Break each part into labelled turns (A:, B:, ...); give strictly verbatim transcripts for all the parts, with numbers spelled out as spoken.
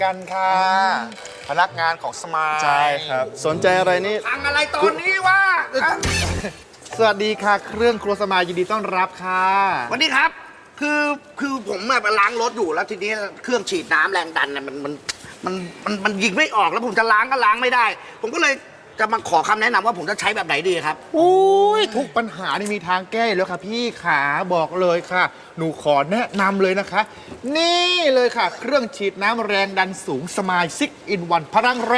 A: กันค่ะ พนักงานของสมาย
B: ใช่ครับสนใจอะไรนี่
C: ทางอะไรตอนนี้วะ
A: สวัสดีค่ะ เครื่องครัวสมายยินดีต้อนรับค่ะ
C: วันนี้ครับ คือคือผมแบบล้างรถอยู่แล้วทีนี้เครื่องฉีดน้ำแรงดันเนี่ยมันมันมันมันมันยิงไม่ออกแล้วผมจะล้างก็ล้างไม่ได้ ผมก็เลยจะมาขอคำแนะนำว่าผมจะใช้แบบไหนดีครับ
A: โอ้ยทุกปัญหานี่มีทางแก้อยู่แล้วค่ะพี่ขาบอกเลยค่ะ หนูขอแนะนำเลยนะคะ นี่เลยค่ะ เครื่องฉีดน้ำแรงดันสูงสมายซิกอินวันพลังแรง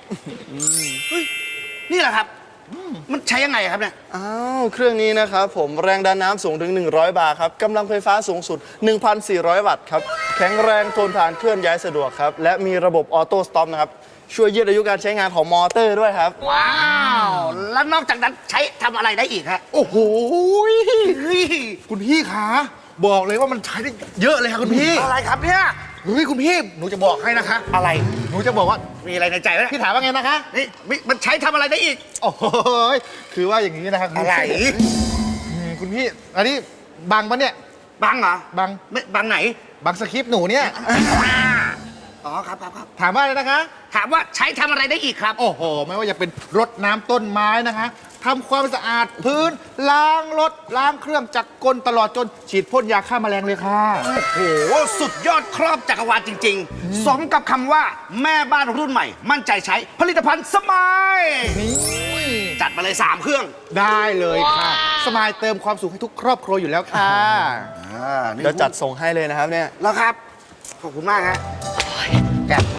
C: นี่แหละครับมันใช้ยังไงครับเนี่ย
B: อ้าวเครื่องนี้นะครับผมแรงดันน้ำสูงถึง หนึ่งร้อย บาร์ครับกำลังไฟฟ้าสูงสุด หนึ่งพันสี่ร้อย วัตต์ครับแข็งแรงทนทานเคลื่อนย้ายสะดวกครับและมีระบบออโต้สต็อปนะครับช่วยยืดอายุการใช้งานของมอเตอร์ด้วยครับ
C: ว้าวแล้วนอกจากนั้นใช้ทำอะไรได้อีกฮะ
A: โอ้โหคุณพี่ขาบอกเลยว่ามันใช้ได้เยอะเลยค่ะคุณพี่
C: อะไรครับเนี่ย
A: เฮ้ยคุณพี่หนูจะบอกให้นะคะ
C: อะไร
A: หนูจะบอกว่า
C: มีอะไรในใจไหม
A: พี่ถามว่าไงนะคะ
C: นี่มิมันใช้ทำอะไรได้อีก
A: โอ้โหคือว่าอย่างนี้นะครับคุณ
C: อะไร
A: อืมคุณพี่อันนี้บังปะเนี่ย
C: บังเหรอ
A: บัง
C: ไม่บังไหน
A: บังสคริปต์หนูเนี่ย
C: อ๋อครับครับครับ
A: ถามว่าอะไรนะคะ
C: ถามว่าใช้ทำอะไรได้อีกครับ
A: โอ้โห ไม่ว่าจะเป็นรดน้ำต้นไม้นะคะทำความสะอาดพื้น ล้างรถ ล้างเครื่องจักรกลตลอดจนฉีดพ่นยาฆ่าแมลงเลยค่ะ
C: โอ้โห สุดยอดครอบจักรวาลจริง ๆ สมกับคำว่าแม่บ้านรุ่นใหม่ มั่นใจใช้ผลิตภัณฑ์สมาย
A: นี่
C: จัดมาเลย 3 เครื่อง
A: ได้เลยค่ะ สมายเติมความสุขให้ทุกครอบครัวอยู่แล้วค่ะ
C: อ่านี่
B: เดี๋ยวจัดส่งให้เลยนะครับเนี่ย
C: แล้วครับ ขอบคุณมากฮะแกะ